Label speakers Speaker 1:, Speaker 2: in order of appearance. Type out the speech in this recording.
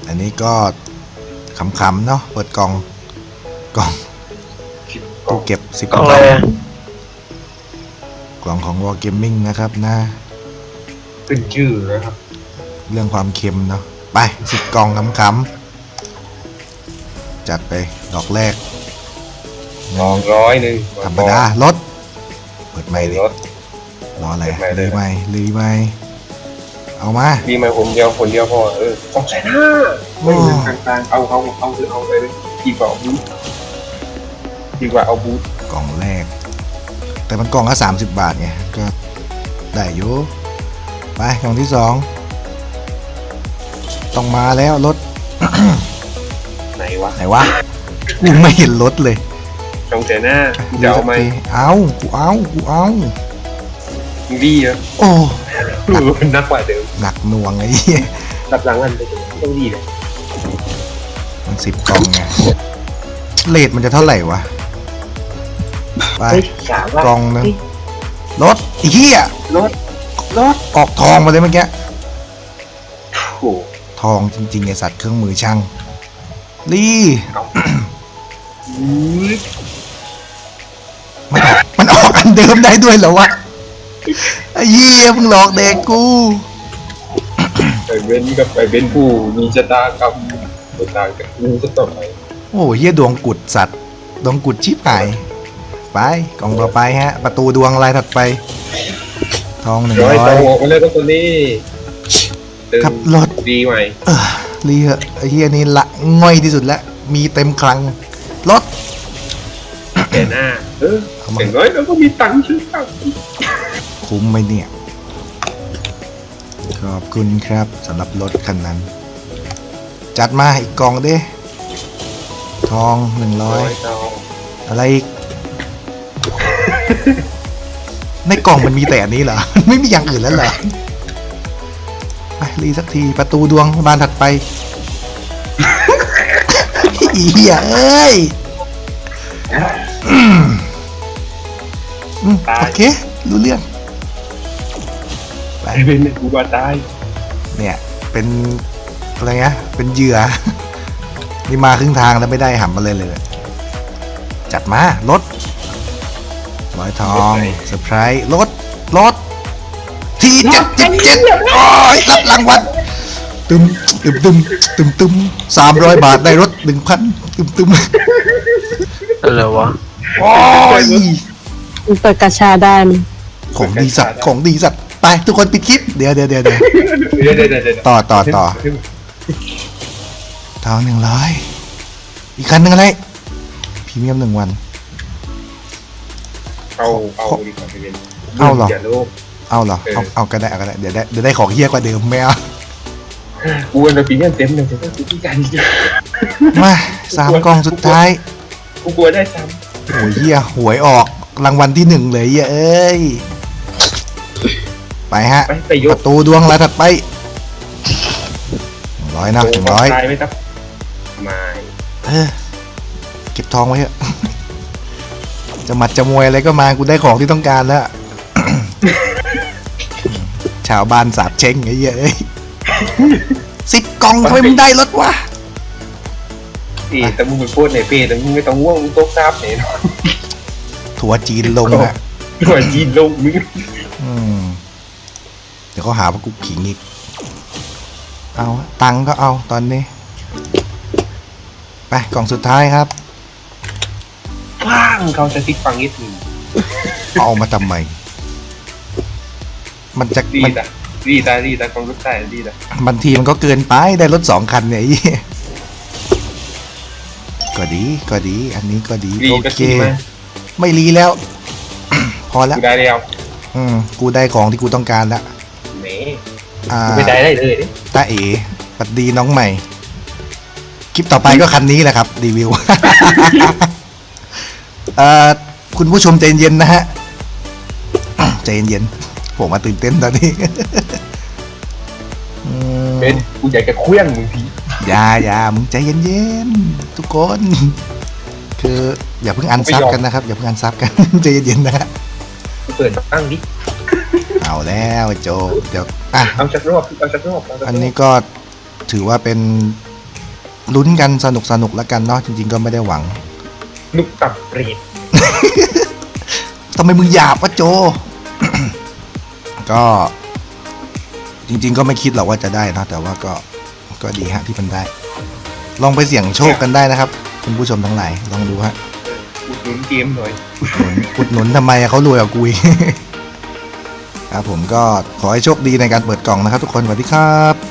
Speaker 1: อันนี้ก็ขำๆเนาะเปิดกล่องตู้เก็บ10 กล่องกล่องของ War Gaming นะครับนะ
Speaker 2: ขึ้นชื่อนะครับ
Speaker 1: เรื่องความเค็มเนาะไป10 กล่องขำๆจัดไปดอกแรก
Speaker 2: 200ธ
Speaker 1: รรมดารถเปิดไม่เลยรออะไรรีไหมเอามา
Speaker 2: รีไหมคนเดียวพอ250,000ไม่ถึงกลางๆเอาไปเลยดีกว่าเอาบูท
Speaker 1: กล่องแรกแต่มันกล่องละ30 บาทไงก็ได้อยู่ไปกล่องที่2ต้องมาแล้วรถ
Speaker 2: ไหนวะ
Speaker 1: กูไม่เห็นรถเลย
Speaker 2: 250,000จะเอาไหม
Speaker 1: กูเอา
Speaker 2: ดีอ่ะ
Speaker 1: โอ้
Speaker 2: นักกว่าเดิม
Speaker 1: หนักหน่วงไอ้เหี้ย
Speaker 2: รับหลังอันต้องดีเลย
Speaker 1: มัน10 กล่องไงเรทมันจะเท่าไหร่วะไปกล่องนึงรถไอ้เหี้ย
Speaker 2: รถ
Speaker 1: ออกทองมาเลยเมื่อกี้
Speaker 2: โอ้
Speaker 1: ทองจริงๆไอสัตว์เครื่องมือช่างลี่ มันออกอันเดิมได้ด้วยเหรอวะไอ้เหี้ยมึงหลอกเด็กกู
Speaker 2: ไปเว้นกับไปเป็นผู้มีชะตากรรมต่างกับกูก็ต่อไป
Speaker 1: โอ้เหี้ยดวงกุดสัตว์ดวงกุดชิบหายไปกล่องต่อไปฮะประตูดวงลายถัดไปทอง100
Speaker 2: ออกมาเลยตัวนี้
Speaker 1: ขับรถ
Speaker 2: ดีไหม
Speaker 1: รีเหอะไอ้เหี้ยนี่ละง่อยที่สุดแล้วมีเต็มคลังรถ
Speaker 2: แก่หน้าอย่างน้อยเราก็มีตังค์ซื้อข้าว
Speaker 1: คุ้มไหมเนี่ยขอบคุณครับสำหรับรถคันนั้นจัดมาอีกกล่องดิทอง100อะไรอีกในกล่องมันมีแต่อันนี้เหรอไม่มีอย่างอื่นแล้วเหรอไปรีสักทีประตูดวงบานถัดไปอีเหี้ยเอ้ยโอเครู้เรื่อง
Speaker 2: ไปเป็นกูบาตาย
Speaker 1: เนี่ยเป็นอะไรเงี้ยเป็นเหยื่อนี่มาครึ่งทางแล้วไม่ได้หำมาเลยจัดมารถร้อยทองเซอร์ไพรส์รถที่777โอ้ยรับรางวัลตึม300 บาทได้รถ 1,000 ตึม
Speaker 3: อะไรวะ
Speaker 1: โอ้ย
Speaker 3: เปิดกระชาได้
Speaker 1: ของดีสัตว์ไปทุกคนปิดคลิปเดี๋ยวต่อทอง100อีกคันหนึ่งอะไรพรีเมียม1 วัน
Speaker 2: เอาดีกว่าเป็น
Speaker 1: เอาเหรอเอาก็ได้เดี๋ยวได้ของเฮี้ยกว่าเดิมแมว
Speaker 2: กูเป็นพรีเมียมเต็มเลยจะต้องซื้อกัน
Speaker 1: มา3 กล่องสุดท้าย
Speaker 2: กูกลัวได้ซ้
Speaker 1: ำโอ้ยเฮี้ยหวยออกรางวัลที่1เลยเอ้ยไปฮะประตูดวงลายถัดไป100นะ100
Speaker 2: ตายไหมครับไม่
Speaker 1: เก็บทองไว้เถอะจะหมัดจะมวยอะไรก็มากูได้ของที่ต้องการแล้ว ชาวบ้านสาบเช้งไอ้เหี้ย10 กล่องทำไมมึงได้รถวะ
Speaker 2: แต่มึงเป็นพูดในเพจแต่มึงไม่ต้องว่างมึงต้องทราบเนี่ย
Speaker 1: ถั่วจีนลงอะ
Speaker 2: ถั่วจีนลงมึง
Speaker 1: เดี๋ยวเขาหาว่ากูขิงอีกเอาตังก็เอาตอนนี้ไปกล่องสุดท้ายครับ
Speaker 2: เขาจะติดฟังนิดนึง
Speaker 1: เอามาทำไมมันจะ
Speaker 2: ดีแต่กองรถได้ดีแต่
Speaker 1: บางทีมันก็เกินไปได้รถ2 คันเนี่ยก็ดีอันนี้ก็ดีโอเคไม่รีแล้วพอแล้ว
Speaker 2: กูได้แล้ว
Speaker 1: กูได้ของที่กูต้องการแล้ว
Speaker 2: กูไม่ได้เลย
Speaker 1: ตาเอ๋ปัดดีน้องใหม่คลิปต่อไปก็คันนี้แหละครับรีวิวคุณผู้ชมใจเย็นนะฮะใจเย็นผมมาตื่นเต้นตอนนี้
Speaker 2: เป็นกูอยากจะเคลื่อนมึงที
Speaker 1: อย่ามึงใจเย็นๆทุกคนคืออย่าเพิ่งอันซับกันนะครับอย่าเพิ่งอันซับกันใจเย็นๆนะฮะ
Speaker 2: เปิดตั้งดิ
Speaker 1: เอาแล้วโจเดี๋ยว
Speaker 2: เอาชักรอบ
Speaker 1: อันนี้ก็ถือว่าเป็นลุ้นกันสนุกแล้วกันเนาะจริงๆก็ไม่ได้หวัง
Speaker 2: นุกตับเปรต
Speaker 1: ทำไมมึงหยาบวะโจ ก็จริงๆก็ไม่คิดหรอกว่าจะได้นะแต่ว่าก็ดีฮะที่มันได้ ลองไปเสี่ยงโชคกันได้นะครับคุณผู้ชมทั้งหลายลองดูฮะ
Speaker 2: อุดหนุนเกมหน่อย
Speaker 1: อุดหนุนทำไมอะเขารวยกว่ากูอีก ครับผมก็ขอให้โชคดีในการเปิดกล่องนะครับทุกคนสวัสดีครับ